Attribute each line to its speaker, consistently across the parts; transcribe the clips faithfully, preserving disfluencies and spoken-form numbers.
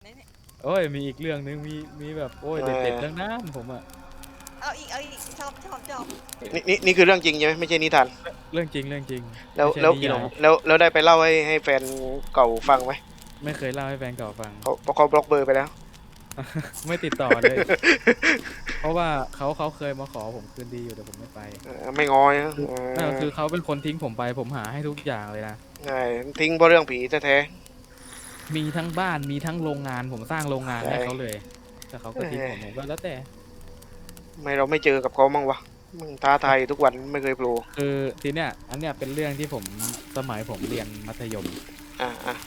Speaker 1: นะเนี่ย
Speaker 2: โอ้ยมีอีกเรื่องนึงมีมีแบบโอ้ยเด็ดๆทั้งนั้นผมอะ
Speaker 1: เอาอีกเอาอีกชอบชอบชอบ
Speaker 3: นี่นี่นี่คือเรื่องจริงใช่ไหมไม่ใช่นิทาน
Speaker 2: เรื่องจริงเรื่องจริง
Speaker 3: แล้ว
Speaker 2: ไม่ใช่
Speaker 3: แล้ว
Speaker 2: นิยาย
Speaker 3: แล้วแล้วได้ไปเล่าให้ให้แฟนเก่าฟังไหม
Speaker 2: ไม่เคยเล่าให้แฟนเก่าฟัง
Speaker 3: เขาเพราะเขาบล็อกเบอร์ไปแล้ว
Speaker 2: ไม่ติดต่อเลย เพราะว่าเขาเขาเคยมาขอผมคืนดีอยู่แต่ผมไม่ไป
Speaker 3: เออไม่งอยนะเอ
Speaker 2: นั่น
Speaker 3: อ
Speaker 2: คือเขาเป็นคนทิ้งผมไปผมหาให้ทุกอย่างเลยนะ
Speaker 3: ใช่ทิ้งเพราะเรื่องผีแท้
Speaker 2: มีทั้งบ้านมีทั้งโรงงานผมสร้างโรงงาน
Speaker 3: ๆใช่
Speaker 2: ให้เขาเลยแต่เขาก็ทิ้งผมผมก็แล้วแต่
Speaker 3: ทำไมเราไม่เจอกับเขามั่งวะมึงท้าทายทุกวันไม่เคยโผล่
Speaker 2: คือทีเนี้ยอันเนี้ยเป็นเรื่องที่ผมสมัยผมเรียนมัธยม
Speaker 3: อ่าอ่า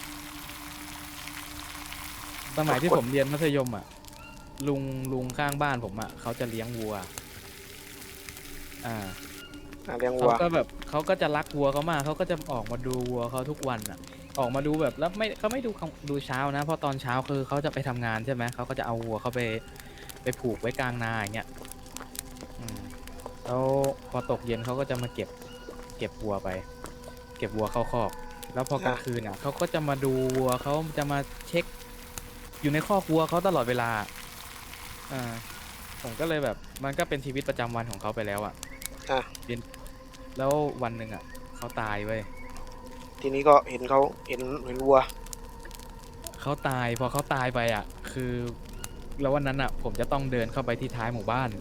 Speaker 2: สมัยที่
Speaker 3: กด
Speaker 2: ผมเรียนมัธยมอ่ะลุงลุงข้างบ้านผมอ่ะเขาจะเลี้ยงวัวอ่า
Speaker 3: อ่าเลี้ยงวั
Speaker 2: เขา
Speaker 3: ว
Speaker 2: ก็แบบเขาก็จะรักวัวเขามากเขาก็จะออกมาดูวัวเขาทุกวันอ่ะออกมาดูแบบแล้วไม่เขาไม่ดูดูเช้านะเพราะตอนเช้าคือเขาจะไปทำงานใช่ไหมเขาก็จะเอาวัวเขาไปไปผูกไว้กลางนาอย่างเงี้ยอืมแล้วพอตกเย็นเขาก็จะมาเก็บเก็บวัวไปเก็บวัวเข้าคอกแล้วพอกลางคืนอ่ะเขาก็จะมาดูวัวเขาจะมาเช็คอยู่ในคอกวัวเขาตลอดเวลาอ่าผมก็เลยแบบมันก็เป็นชีวิตประจำวันของเขาไปแล้วอ่ะ
Speaker 3: อ่ะ
Speaker 2: เป็นแล้ววันหนึ่งอ่ะเขาตายเว้ย
Speaker 3: ทีนี้ก็เห็นเขาเห็นเห็นวัว
Speaker 2: เขาตายพอเขาตายไปอ่ะคือแล้ววันนั้นอ่ะผมจะต้องเดินเข้าไปที่ท้ายหมู่บ้าน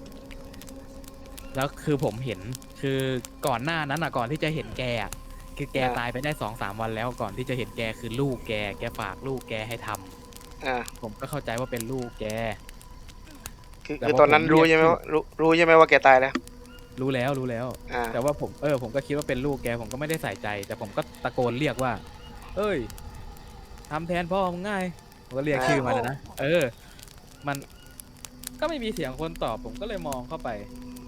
Speaker 2: แล้วคือผมเห็นคือก่อนหน้านั้นอ่ะก่อนที่จะเห็นแกอะคือแก
Speaker 3: อ่า
Speaker 2: ตายไปได้สองสามวันแล้วก่อนที่จะเห็นแกคือลูกแกแกฝากลูกแกให้ทำ
Speaker 3: อ่า
Speaker 2: ผมก็เข้าใจว่าเป็นลูกแก
Speaker 3: คือ
Speaker 2: แต่
Speaker 3: คือตอนนั้น
Speaker 2: พอผมเรี
Speaker 3: รู้ใช่ไหม
Speaker 2: ยกชื่อ
Speaker 3: ว่ารู้รู้ใช่ไหมว่าแกตายแล้ว
Speaker 2: รู้แล้วรู้แล้ว
Speaker 3: อ่า
Speaker 2: แต่ว่าผมเออผมก็คิดว่าเป็นลูกแกผมก็ไม่ได้ใส่ใจ แต่ผมก็ตะโกนเรียกว่าเอ้ยทำแทนพ่อมึงง่ายผมก็เรียก
Speaker 3: อ่า
Speaker 2: ชื่อมันนะนะเออมันก็ไม่มีเสียงคนตอบผมก็เลยมองเข้าไป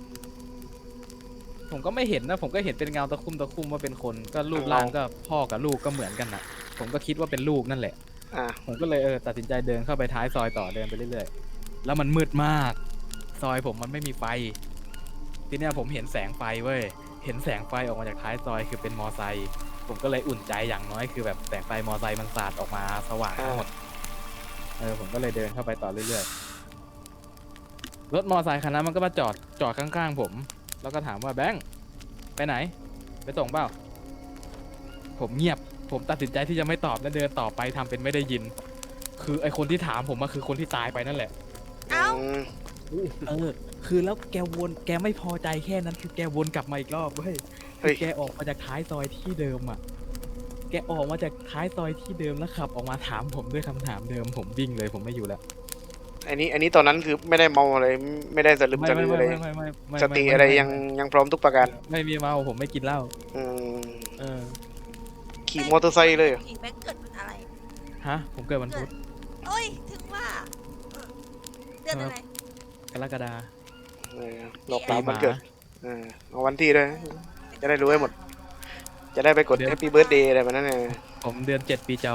Speaker 2: ผมก็ไม่เห็นนะผมก็เห็นเป็นเงาตะคุ่มตะคุ่มว่าเป็นคนก็รูปร่างก็พ่อกับลูกก็เหมือนกันน่ะผมก็คิดว่าเป็นลูกนั่นแหละ
Speaker 3: อ่า
Speaker 2: ผมก็เลยเออตัดสินใจเดินเข้าไปท้ายซอยต่อเดินไปเรื่อยๆแล้วมันมืดมากซอยผมมันไม่มีไฟทีเนี้ยผมเห็นแสงไฟเว้ยเห็นแสงไฟออกมาจากท้ายซอยคือเป็นมอไซค์ผมก็เลยอุ่นใจอย่างน้อยคือแบบแสงไฟมอไซค์มันสาดออกมาสว่างทั้งหมดเออผมก็เลยเดินเข้าไปต่อเรื่อยๆรถมอไซค์คันนั้นมันก็มาจอดจอดข้างๆผมแล้วก็ถามว่าแบงค์ไปไหนไปส่งเปล่าผมเงียบผมตัดสินใจที่จะไม่ตอบและเดินต่อไปทำเป็นไม่ได้ยินคือไอคนที่ถามผมมาคือคนที่ตายไปนั่นแหละ
Speaker 1: เอ้า
Speaker 3: อืม
Speaker 2: เออคือแล้วแกวนแกไม่พอใจแค่นั้นคือแกวนกลับมาอีกรอบเว้ยคื
Speaker 3: เฮ้
Speaker 2: อย แกออกมาจากท้ายซอยที่เดิมอ่ะแกออกมาจากท้ายซอยที่เดิมแล้วขับออกมาถามผมด้วยคำถามเดิมผมวิ่งเลยผมไม่อยู่แล้ว
Speaker 3: อันนี้อันนี้ตอนนั้นคือไม่ได้เมาอะไรไม่ได้สลึม
Speaker 2: ไม่
Speaker 3: ส
Speaker 2: ไม่ไม่
Speaker 3: ลืออะไร
Speaker 2: ไม่ไม่ไม่ไม่
Speaker 3: สติ
Speaker 2: ไม่
Speaker 3: อะไร
Speaker 2: ไม่
Speaker 3: ยัง
Speaker 2: ไม่
Speaker 3: ยังพร้อมทุกประการ
Speaker 2: ไม่มีเมาผมไม่กินเหล้า
Speaker 3: อืม
Speaker 2: เออ
Speaker 3: ขี่มอเตอร์ไซค์เลยเหรอ
Speaker 1: ผีแบงค์เกิดเป็นอะไร
Speaker 2: ฮะผมเกิดวันพุธ
Speaker 1: โอ้ยถึงว่าเดือนอะไร
Speaker 2: กรกฎา
Speaker 3: เออหลอกตามวันเกิดเออเอาวันที่ด้วยจะได้รู้ให้หมด จะได้ไปกด Happy Birthday อะไรแบบนั้นเอง
Speaker 2: ผมเดือนเจ็ดปีจอ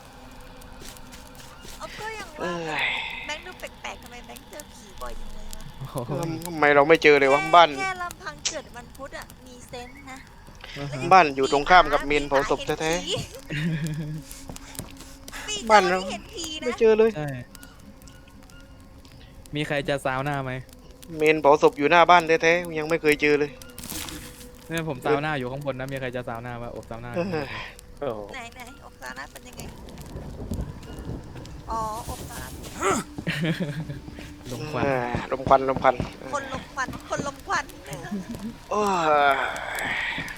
Speaker 1: เอาก็ยัง
Speaker 3: เอ้
Speaker 1: ว่าย แบงค์ดูแปลกๆทำไมแบงค์เจอผีบ่อยจังเลยวะ
Speaker 2: โอ้โห
Speaker 3: ทำไมเราไม่เจอเลยวะบ้าน
Speaker 1: แค่ลำพังเกิดวันพุธอ่ะมีเซนส์นะ
Speaker 3: บ้านอยู่ตรงข้ามกับเมนเผาศพแท้ๆบ้านเรา
Speaker 1: เห็นผีนะ
Speaker 3: ไม่เจอเลย
Speaker 2: ใช่มีใครจะซาวหน้าไหม
Speaker 3: เมนเผาศพอยู่หน้าบ้านแท้ๆยังไม่เคยเจอเลย
Speaker 2: เนี่ยผมซาวหน้าอยู่ข้างบนนะมีใครจะซาวหน้ามาอบซาวหน้า
Speaker 3: โอ้โห
Speaker 1: ไหนไหนอกซานะเป็นยังไงอ๋ออกซานะ
Speaker 2: ลมควัน
Speaker 3: เออลมควันลมควัน
Speaker 1: คนลมควันคนลมควัน
Speaker 3: โอ้ย